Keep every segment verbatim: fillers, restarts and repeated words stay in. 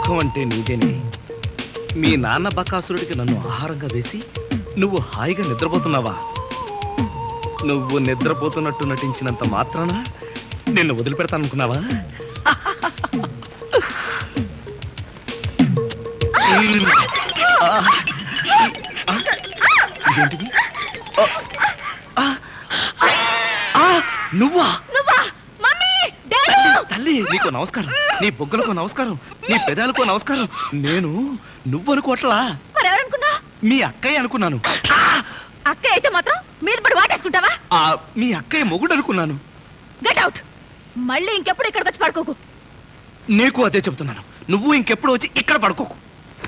సుఖం అంటే నీదేనే. మీ నాన్న బకాసురుడికి నన్ను ఆహారంగా వేసి నువ్వు హాయిగా నిద్రపోతున్నావా? నువ్వు నిద్రపోతున్నట్టు నటించినంత మాత్రాన నిన్ను వదిలిపెడతాననుకున్నావా? ఇదేంటిది? నువ్వా? తల్లి, నీకు నమస్కారం. నీ బొగ్గలకు నమస్కారం, నీ పెదాలకు నమస్కారం. నేను నువ్వు అనుకోవట్లా, మీ అక్కయ్య అనుకున్నాను. అక్కయ్య అయితే మాత్రం మీద పడి వాటేసుకుంటావా? మీ అక్కయ్య మొగుడు అనుకున్నాను. Get out. మళ్ళీ ఇంకెప్పుడు ఇక్కడికి వచ్చి పడుకోకు. నీకు అదే చెబుతున్నాను, నువ్వు ఇంకెప్పుడు వచ్చి ఇక్కడ పడుకోకు.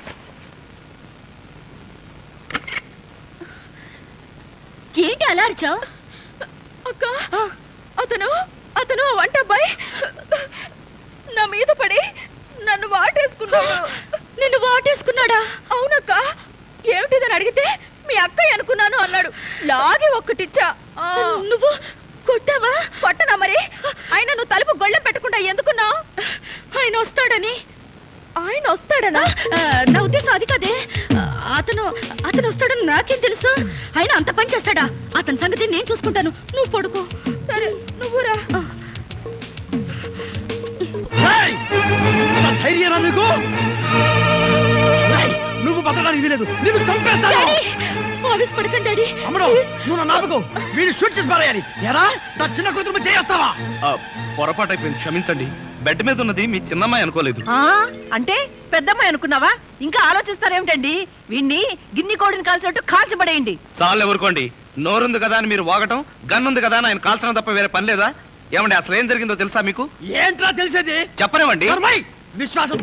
ఏంటి అలా అరిచావు? అక్క, అతను అతను వంట అబ్బాయి నా మీద పడి నన్ను వాటేసుకున్నాడు. నిన్ను వాటేసుకున్నాడా? అవునక్క. ఏమిటిదని అడిగితే మీ అక్కయ్య అనుకున్నాను అన్నాడు. లాగి ఒక్కటిచ్చా. నువ్వు కొట్టావా? కొట్టనా మరి. ఆయన నువ్వు తలుపు గొళ్ళెం పెట్టకుండా ఎందుకున్నావు? ఆయన వస్తాడని. ఆయన వస్తాడనా? నా ఉద్దేశం అది కాదే. అతను అతను వస్తాడని నాకేం తెలుసు? ఆయన అంత పని చేస్తాడా? అతని సంగతి నేను చూసుకుంటాను, నువ్వు పడుకో. సరే, నువ్వురా. నువ్వు బతకడానికి వీలేదు, నిన్ను చంపేస్తాను. పడకండి డాడీ. అమ్మడు, నువ్వు నాపకు. వీడు షూట్ చేసి పారేయాలి. ఎరా, నా చిన్న కూతురు చేస్తావా? పొరపాటు అయిపోయింది, క్షమించండి. బెడ్ మీద ఉన్నది మీ చిన్నమ్మాయి అనుకోలేదు. అంటే పెద్దమ్మాయి అనుకున్నావా? ఇంకా ఆలోచిస్తారేమిటండి? వీణ్ణి గిన్ని కోడిని కాల్చినట్టు కాల్చబడేయండి. చాలు ఎవరుకోండి. నోరుంది కదా అని మీరు వాగటం, గన్ ఉంది కదా అని ఆయన కాల్చడం తప్ప వేరే పని లేదా? ఏమండి, అసలు ఏం జరిగిందో తెలుసా మీకు? ఏంట్రా తెలిసేది? చెప్పనివ్వండి. విశ్వాసం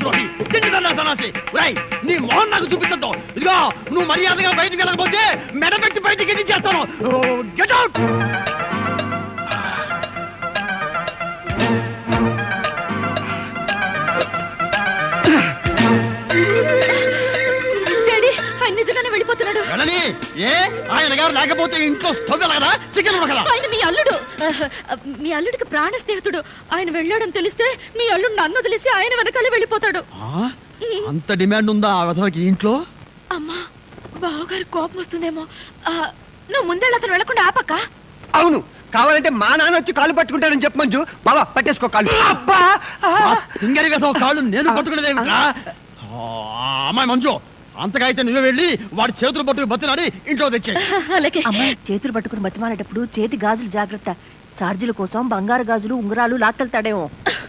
నీ మోహన్ నాకు చూపించద్దు. ఇదిగో, నువ్వు మర్యాదగా బయటికి వెళ్ళకపోతే మెడబెట్టి బయటికి ఎన్ని చేస్తాను. Get out. నిజంగానే వెళ్ళిపోతున్నాడు. ఏ ఆయన గారు లేకపోతే ఇంట్లో స్టవ్ కదా, చికెన్ ఉడకదా? ఆయన మీ అల్లుడు. మీ అల్లుడికి ప్రాణ స్నేహితుడు. ఆయన వెళ్ళాడని తెలిస్తే మీ అల్లుడు నన్ను వదిలేసి ఆయన వెనకాలే వెళ్ళిపోతాడు. అంత డిమాండ్ ఉందా ఆ విధంగా ఇంట్లో? అమ్మా, బావగారు కోపం వస్తుందేమో. నువ్వు ముందే అతను వెళ్ళకుండా ఆపక్క. అవును, కావాలంటే మా నాన్న వచ్చి కాళ్ళు పట్టుకుంటాడని చెప్పు మంజు. బాబా పట్టేసుకో కాళ్ళు. కాళ్ళు నేను పట్టుకునేదేమిట్రా? అమ్మాయి మంజు, అంతగా అయితే నువ్వే వెళ్ళి వాడి చేతులు పట్టుకుని బతిలాడి ఇంట్లో తెచ్చాయి. అలాగే. అమ్మాయి చేతులు పట్టుకుని బతిమాలేటప్పుడు చేతి గాజులు జాగ్రత్త. చార్జీల కోసం బంగారు గాజులు ఉంగరాలు లాక్కెళ్తాడేమో.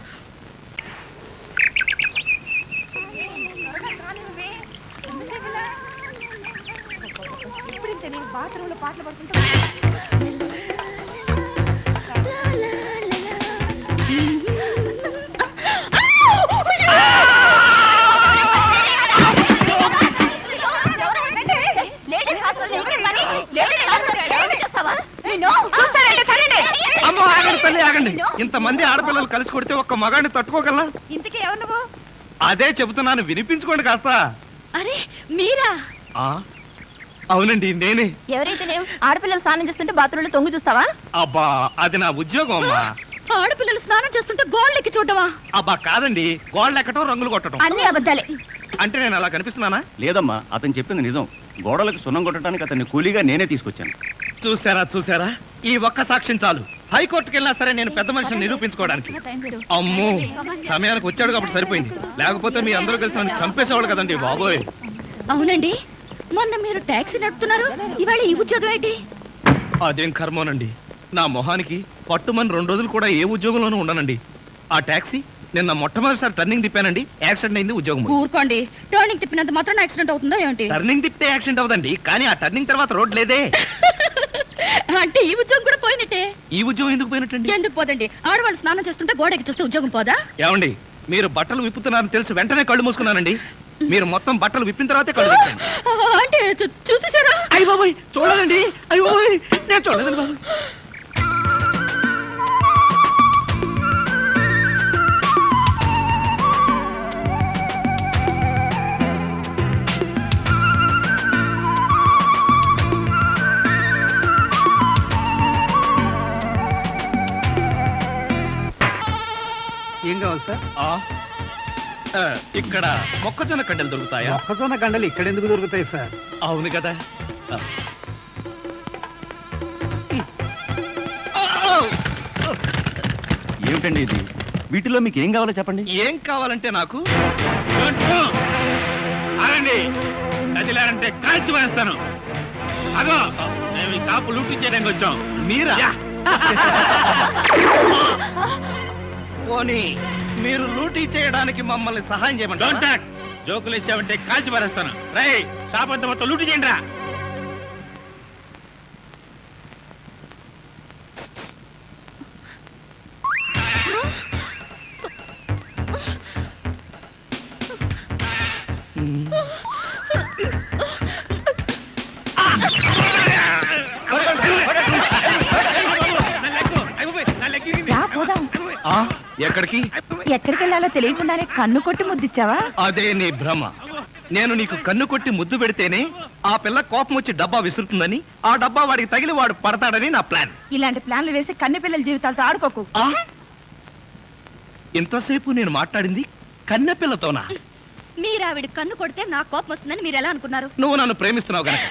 ఇంతమంది ఆడపిల్లలు కలిసి కొడితే ఒక్క మగాడిని తట్టుకోగలనా? ఇంతకీ ఎవరు నువ్వు? అదే చెబుతున్నాను, వినిపించుకోండి కాస్త. అరే మీరా? అవునండి, నేనే. ఎవరైతే ఆడపిల్లలు స్నానం చేస్తుంటే బాత్రూంలో తొంగి చూస్తావా? అబ్బా, అది నా ఉద్యోగం అమ్మా. ఆడపిల్లలు స్నానం చేస్తుంటే గోళ్ళెక్కి చూడవా? అబ్బా కాదండి, గోళ్ళు ఎక్కటం, రంగులు కొట్టడం. అన్ని అబద్ధాలే. అంటే నేను అలా కనిపిస్తున్నానా? లేదమ్మా, అతను చెప్పింది నిజం. గోడలకు సున్నం కొట్టడానికి అతన్ని కూలీగా నేనే తీసుకొచ్చాను. చూసారా చూసారా, ఈ ఒక్క సాక్ష్యం చాలు. హైకోర్టుకి వెళ్ళినా సరే నేను పెద్ద మనిషిని నిరూపించుకోవడానికి. అమ్మో, సమయానికి వచ్చాడు కాబట్టి సరిపోయింది, లేకపోతే మీ అందరూ కలిసి నన్ను చంపేసేవాళ్ళు కదండి బాబోయ్. అవునండి, మొన్న మీరు టాక్సీ నడుపుతున్నారు, ఇవాళ ఈ ఉద్యోగం ఏంటి? అదేం కర్మోనండి, నా మొహానికి పట్టుమని రెండు రోజులు కూడా ఏ ఉద్యోగంలోనూ ఉండనండి. ఆ టాక్సీ నిన్న మొట్టమొదటిసారి టర్నింగ్ తిప్పానండి, యాక్సిడెంట్ అయింది, ఉద్యోగం. ఊరుకోండి, టర్నింగ్ తిప్పినంత మాత్రం యాక్సిడెంట్ అవుతుందా ఏంటి? టర్నింగ్ తిప్పితే యాక్సిడెంట్ అవుదండి, కానీ ఆ టర్నింగ్ తర్వాత రోడ్ లేదే. అంటే ఈ ఉద్యోగం కూడా పోయినట్టే. ఈ ఉద్యోగం ఎందుకు పోయినట్టండి? ఎందుకు పోదండి, ఆడవాళ్ళు స్నానం చేస్తుంటే గోడకి చూస్తే ఉద్యోగం పోదా? ఏమండి, మీరు బట్టలు విప్పుతున్నారని తెలిసి వెంటనే కళ్ళు మూసుకున్నానండి. మీరు మొత్తం బట్టలు విప్పిన తర్వాతే కళ్ళు తెచ్చాను. అంటే చూసేసారా? అయ్య బాబోయ్, చూడదండి. అయ్య బాబోయ్, నేను చూడలేదు బాబు. ఏం కావాలి సార్? ఆ, ఇక్కడ మొక్కజొన్న కడ్డలు దొరుకుతాయా? మొక్కజొన్న గండలు ఇక్కడ ఎందుకు దొరుకుతాయి సార్? అవును కదా. ఆ. ఏమిటండి ఇది? వీటిలో మీకు ఏం కావాలో చెప్పండి. ఏం కావాలంటే నాకు ఆగండి, కదిలారంటే కాల్చి వేస్తాను. అదో మేము ఈ షాపు లూటీ చేయడానికి వచ్చాం. మీరా? యా. పోనీ మీరు లూటీ చేయడానికి మమ్మల్ని సహాయం డోంట్ చేయమంటారా? టాక్. జోకులు వేసావంటే కాల్చి పారేస్తాను. రై, షాప్ అంతా మొత్తం లూటీ చేయండి రా. రా పోదాం. ఆ, ఎక్కడికి? ఎక్కడికి వెళ్ళాలో తెలియకుండానే కన్ను కొట్టి ముద్దిచ్చావా? అదే నీ భ్రమ. నేను నీకు కన్ను కొట్టి ముద్దు పెడితేనే ఆ పిల్ల కోపం వచ్చి డబ్బా విసురుతుందని, ఆ డబ్బా వాడికి తగిలి వాడు పడతాడని నా ప్లాన్. ఇలాంటి ప్లాన్లు వేసి కన్నె పిల్లల జీవితాలతో ఆడుకోకు. ఆ? ఇంతసేపు నేను మాట్లాడింది కన్నె పిల్లతోనా? మీరు ఆవిడ కన్ను కొడితే నా కోపం వస్తుందని మీరు ఎలా అనుకున్నారు? నువ్వు నన్ను ప్రేమిస్తున్నావు గనక.